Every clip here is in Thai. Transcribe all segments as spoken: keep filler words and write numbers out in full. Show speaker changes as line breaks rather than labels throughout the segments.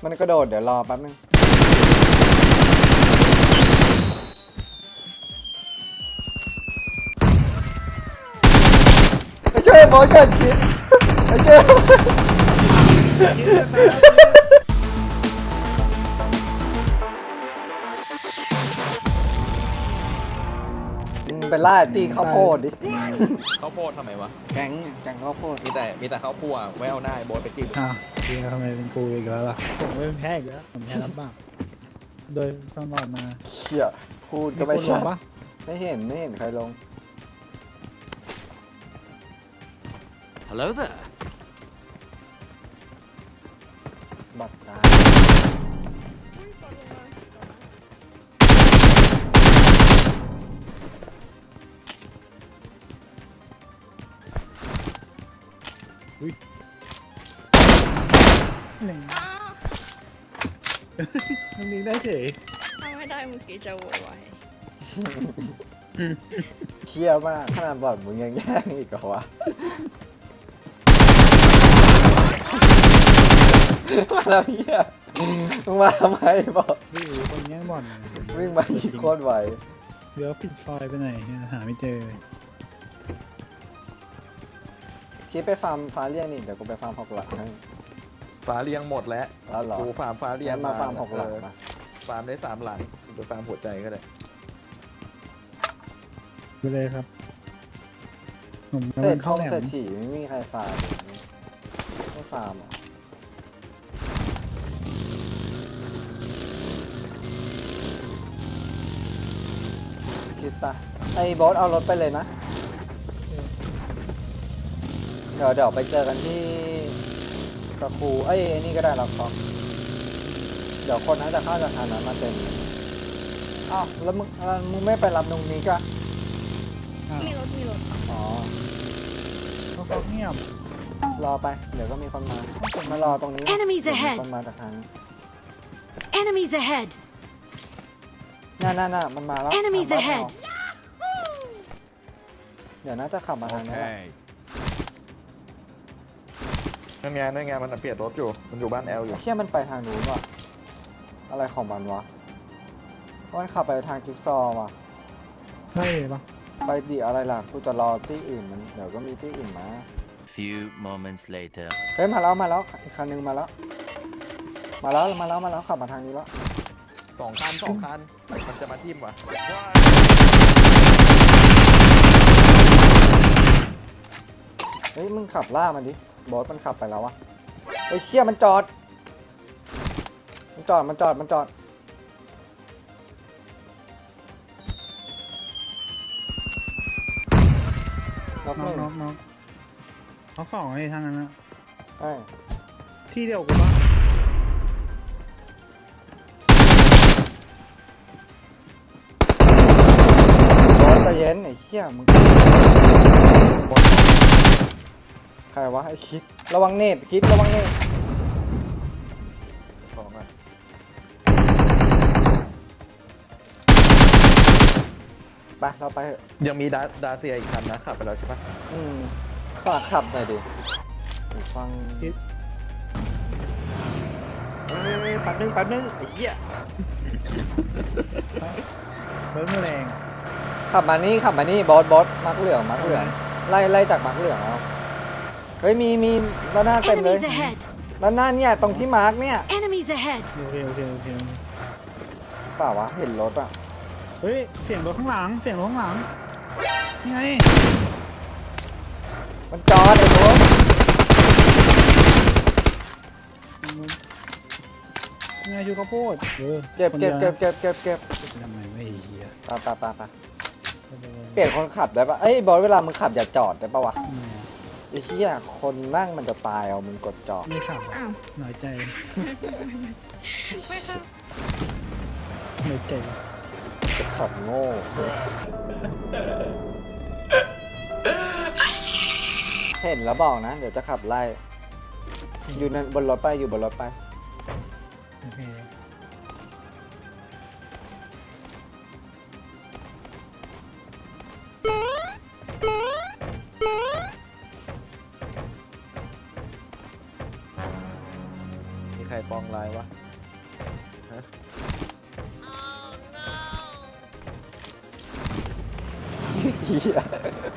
มันกระโดดเดี๋ยวรอแป๊บนึงไอ้เจ้าบอลเกิดคิดไอ้เจ้าเป็นล่าตีข้าวโพดดิ
ข้าวโพดทำไมวะ
แก๊งแก๊งข้าวโพด
มีแต่มีแต่ข้าวคั่วไว้เอาหน้าไอ้โบอสไปจิ้ม
อ้าวทีทำไมเป็นกูอีกแล้วล่ะผมไม่เป็นแพ้อีกแล้วผมแพ้รับบ้างโดยตลอดมา
เขี่ยพูดก็ไม่
คนล
ใช่
งปะ
ไม่เห็นไม่เห็นใครลง
Hello there.
บัตรตาย
หนึ่งมันมีได้เฉย
ถ้าไม่ได้เมื่อกี้จะโวยวาย
เขี่ยมากขนาดบอดมึงยังแย่งอีกเหรอวะมาแล้วเหี้ยมึงมาทำไมบอก
วิ่งคนแย่งบอล
วิ่งมาอีกโคตรไว
เดี๋ยวปิดไฟไปไหนหาไม่เจอ
คิดไปฟาร์มฟ้าเรียงนี่เดี๋ยวกูไปฟาร์มหกหลักให้
ฟ้าเรียงหมดแล้ว
แล้วเหรอ
กูฟาร์มฟ้าเรียง
งั้นมาฟาร์มหกหลัก
เออ
มา
ฟาร์มได้สามหลังกูไปฟาร์มหัวใจก็ได้
ไปเลยครับผม
เศษท
เข้า
อง
แหล
เศษ
ม
ถี่ไม่มีใครฟาร์มไม่ฟาร์มเหรอคิดปะไอ้บอสเอารถไปเลยนะ เดี๋ยวเดี๋ยวไปเจอกันที่สคูเอ้ยไอ้นี่ก็ได้รับฟอกเดี๋ยวคนน่าจะเข้าจากทางนั้นมาเต็มเลยอ้าวแล้วมึงแล้วมึงไม่ไปรับตรงนี้ก็
อ้าว
มีรถมีรถ
อ๋อ
เขาเขาเงียบ
รอไป เดี๋ยวก็มีคนมา มารอตรงนี้
Enemies
เดี๋ยวมี
ahead
คนมาจากทางนี้
Enemies ahead!
น่าน่าน่ามันมาแล้ว
Enemies
ทางบ้าน
ahead
เราเดี๋ยวน่าจะขับมาทางนี้แหละ
นั่นไงนั่นไงมันเปลี่ยนรถอยู่มันอยู่บ้านแอลอยู่
เชี่ยมันไปทางนู้นว่ะอะไรของมันวะมันขับไปทางจิ๊กซอว์ว่ะ
ใช่ปะ
ไปดิอะไรล่ะกูจะรอที่อื่นมันเดี๋ยวก็มีที่อื่นมา
Few moments later.
เฮ้ยมาแล้วมาแล้วอีกคันนึงมาแล้ว มาแล้วมาแล้วมาแล้วขับมาทางนี้แล้ว
สองคันสองคันมันจะมาทิ่มวะ
เฮ้ยมึงขับล่ามันดิบอสมันขับไปแล้ววะเฮ้ยเชี่ยมันจอด มันจอดมันจอดมันจอดล็อกห
น้อ
นึ่
ง
ง
น้องน้องเขาสองไอ้ทางนั้นนะ
ใช่
ที่เดียวกูปะ
บอสใจเย็นไอ้เชี่ยมึงใครวะไอ้คิดระวังเนตคิดระวังเนต
สองอ่ะ
ไปเราไปเถอะ
ยังมีดาดาเซียอีกคันนะขับไปแล้วใช่ปะ
อืมฝากขับหน่อยดิหูฟัง
คิด
เฮ้ยแป๊บนึงแป๊บนึงไอ้เหี้ย
รถมันแรง
ขับมานี่ขับมานี่บอสบอสมักเหลืองมักเหลืองไล่ไล่จากมักเหลืองเอาเฮ้ยมีมีด้านหน้าเต็มเลย
Enemies ahead!
ด้านหน้าเนี่ยตรงที่มาร์กเนี่ย
Enemies ahead!
โอเคโอเคโอเค
เปล่าวะเห็นรถอ่ะ
เฮ้ยเสียงรถข้างหลังเสียงรถข้างหลังนี่ไง
มันจอดไอ้ตัว
นี่ไงชูข้าวโพดเออ
เก็บ
คน
เก็
ดี
บ
ยว
เก็บเก็บเก็บเก็บ
ทำไมไม่เฮีย
ไปไปไปไปเปลี่ยนคนขับได้ปะเอ้ยบอสเวลามึงขับอย่าจอดได้ปะวะไอ้เหี้ยคนนั่งมันจะตายเอามึงกดจอด
ไม่ขับ
อ้าว
หน่อยใจ
ไม่ค่ะ
หน่อยใจ
ขับโง่เห็นแล้วบอกนะ เดี๋ยวจะขับไล่ อยู่นั่นบนรถไปอยู่บนรถไป
โอเค
มีใครปอง
ไรวะฮะเหี้ย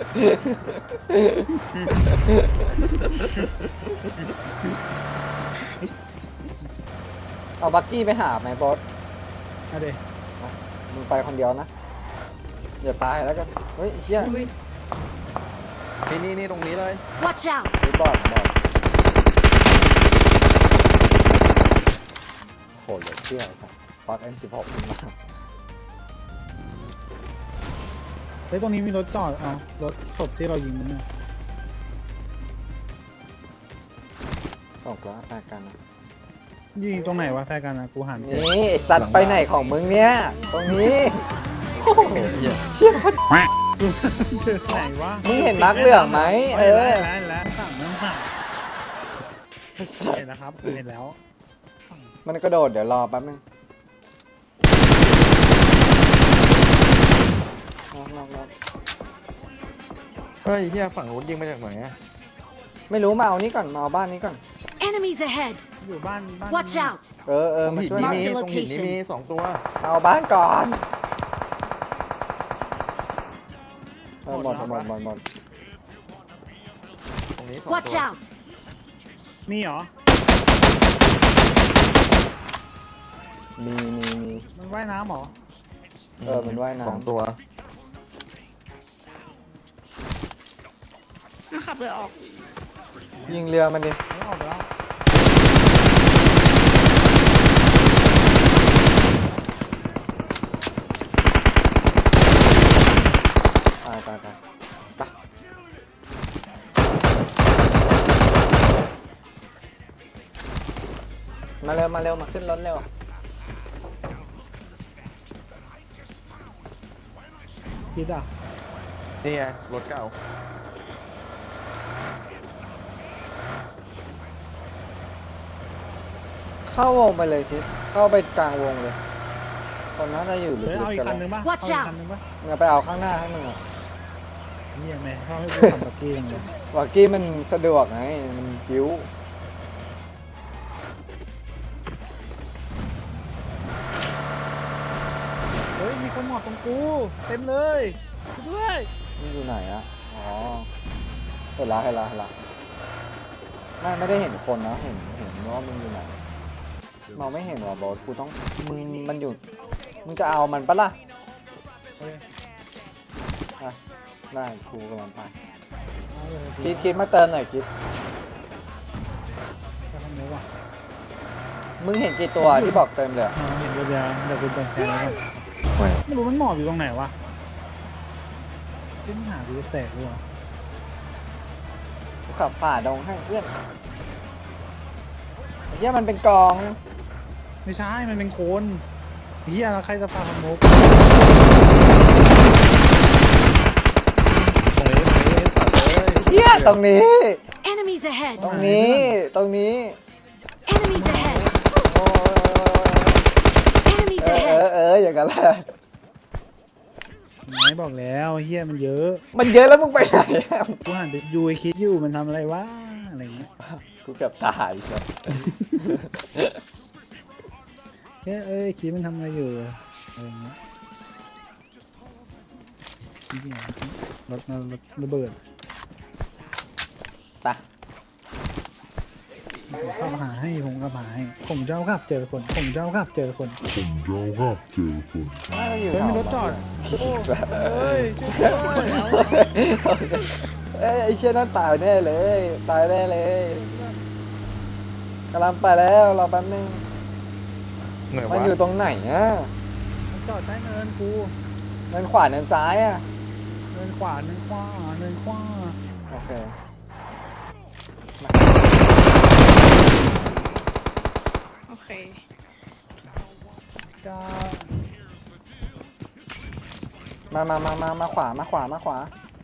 เอาบักกี้ไปหาไหมบอส
เอาเดี๋ยว
มึงไปคนเดียวนะ อย่าตายแล้วกัน เฮ้ยเฮีย
นี่นี่นี่ตรงนี้เลย
Watch out!
เฮ้ยบอดบอดโหเหลือเชื่อครับฟัก เอ็ม สิบหก ขึ้นมา
เฮ้ยตรงนี้มีรถจอดเอารถศพที่เรายิงมันเนี่ย
ตกแล้วแฟนกันนะ
ยิงตรงไหนวะแฟร์กันนะกูหันเจอ
นี่ไอ้สัตว์ไปไหนของมึงเนี่ย ตรงนี้โอ้โหเชี่ยโคตร
เจอไหนวะ
มึงเห็นมาร์คเหลืองไหมเออ
เห็นแล้วเห็นแล้วสั่งน้ำสั่งเห็นแล้วครับเห็นแล้ว
มันกระโดดเดี๋ยวรอแป๊บนึงนอกนอกนอก
เฮ้ยเฮียฝั่งนู้นยิงมาจากไหนอะ
ไม่รู้มาเอานี้ก่อนมาเอาบ้านนี้ก่อน
Enemies ahead!
อยู่บ้านบ้าน
Watch out!
เออเออ
ตรง
มา
หิน
ช่วย
นี่
หน่อย
มีตรงหินนี่มีสองตัว
เอาบ้านก่อนเออหมดหมดหมดหมด
ตรงนี้สอง
Watch
ตัว
out!
มีเหรอ
มีมีมี
มันว่ายน้ำเหรอ
เออมันว่ายน้ำ
สองตัว
มันขับเรือออก
ยิงเรือมันดิ
ไม่ออกไปแล้ว
ตายตายตายไปมาเร็วมาเร็วมาขึ้นรถเร็ว
คิดอ่ะ
นี่ไงรถเก่า
เข้าวงไปเลยทิศเข้าไปกลางวงเลยคนน่าจะอยู่หรือ
เฮ้ยเอาอีก
กัน
คันนึงป่ะ
Watch
เอาอีก
out
คันนึงป่ะ
มึงเอาไปเอาข้างหน้าให้มึงอะ
นี่ยังไงเขาให้กูขับบักกี้ยังไง
วากี้มันสะดวกไงมันกิ้ว
เฮ้ยมีคนหมอบตรงกูเต็มเลยช่วยด้วย
มันอยู่ไหนอะอ๋อเห็นละเห็นละเห็นละไม่ไม่ได้เห็นคนนะเห็นเห็นว่ามึงอยู่ไหนมองไม่เห็นว่ะบอสกูต้องมึงมันอยู่มึงจะเอามันปะล่ะ
เฮ้ย
อ่ะได้กูกำลังไป
เอาเลย
คิดคิดมาเติมหน่อยคิด
ไปทางนี้ว่ะ
มึงเห็นกี่ตัวที่บอกเติมเลยอะ
อ๋อเห็นเดียวเดี๋ยวกูเปิดแค่แล้วกันไม่รู้มันหมอบอยู่ตรงไหนวะที่มันหาดูจะแตกด้วยวะ
กูขับฝ่าดงให้เพื่อนไอ้เหี้ยมันเป็นกอง
ไม่ใช่มันเป็นโคนเฮียแล้วใครจะพาขโมกเฮ้ยเฮ้ยสัตว์เอ้ย
เหี้ยตรงนี้
Enemies ahead!
ตรงนี้ตรงนี้
Enemies ahead!
โอ้ย
Enemies
เออเออ
ahead!
เอออย่างนั้นแหละ
ไหนบอกแล้วเฮียมันเยอะ
มันเยอะแล้วมึงไปไหนอะ
กูหันไปดูไอ้คิดอยู่มันทำอะไรวะอะไรเงี้ย
กูเกือบตายครับ
เฮ้ยเอ้ยคิดมันทำอะไรอยู่อะไรเงี้ยนี่ไงรถมารถระเบิด
ไป
ผมขับหาให้ผมขับหาให้ผมเจ้าขับเจอคนผมเจ้าขับเจอคน
น่าจะอยู่
เฮ้ยมีรถจอด เฮ้ยช่วยด้วย
เอ้ยไอ้เชี่ยนั่นตายแน่เลย ตายแน่เลยกำลังไปแล้วรอแป๊บนึง
เหนื่อย
มัน
วะ
อยู่ตรงไหนอะ
มันจอดใต้เนินกู
เนินขวาเนินซ้ายอะ
เนินขวาเนินขวาเนินขวา
โอเค
โอเค
จะ
มามามามามาขวามาขวามาขวา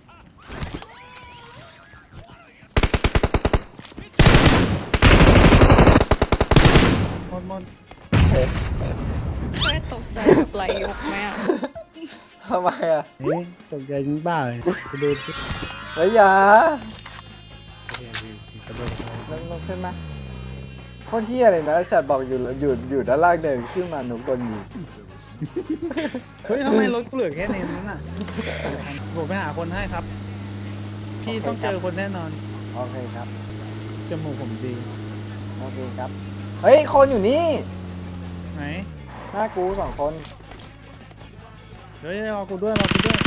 หมดหมด
แค่ตกใจแบบไหลยกไหมอ่ะ
ทำไมอะ
เฮ้ยตกใจจริงบ้าเลยไปดูสิ
เฮ้ยอย่า
กระโดดไป
ลงลงขึ้นมาตรเฮียเลยนะไอ้สัตว์บอกอยู่อยู่อยู่ด้านล่างเดินขึ้นมาหนุกโดนยิง
เฮ้ยทำไมรถกูเหลือแค่นี้นั่นน่ะผมไปหาคนให้ครับ พี่ต้องเจอคนแน่นอน
โอเคครับ
จมูกผมดี
โอเคครับเฮ้ยคนอยู่นี่
ไหน
หน้ากูสองคน
เฮ้ยรอกูด้วยรอกูด้วย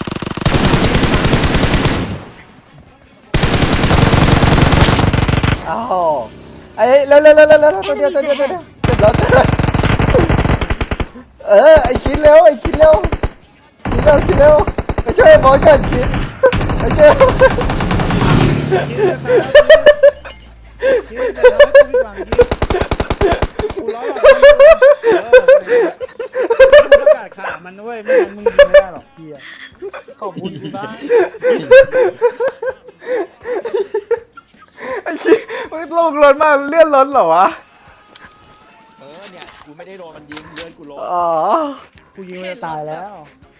อ้าวไอ้เร็วเร็วเร็วเร็วเร็วตัวเดียวตัวเดียวตัวเดียวเจ็บแล้วเจ็บแล้วเออไอ้คิดเร็วไอ้คิดเร็วคิดเร็วคิดเร็วไปช่วยไอ้บอสก่อนคิดไปช่วย
คิดแต่เราไม่ต้องฟังคิดกูร้อนหรอกเออกูประกาศขามันด้วยไม่งั้นมึงไม่ได้หรอกพี่ขอบคุณกูบ้าง
ไอ้คิดมึงลงรถมาเลื่อนรถเหรอวะ
เออเนี่ยกูไม่ได้โดนมันยิงเลื่อนกูลง
อ๋อ
กูยิงมันจะตายแล้ว
เ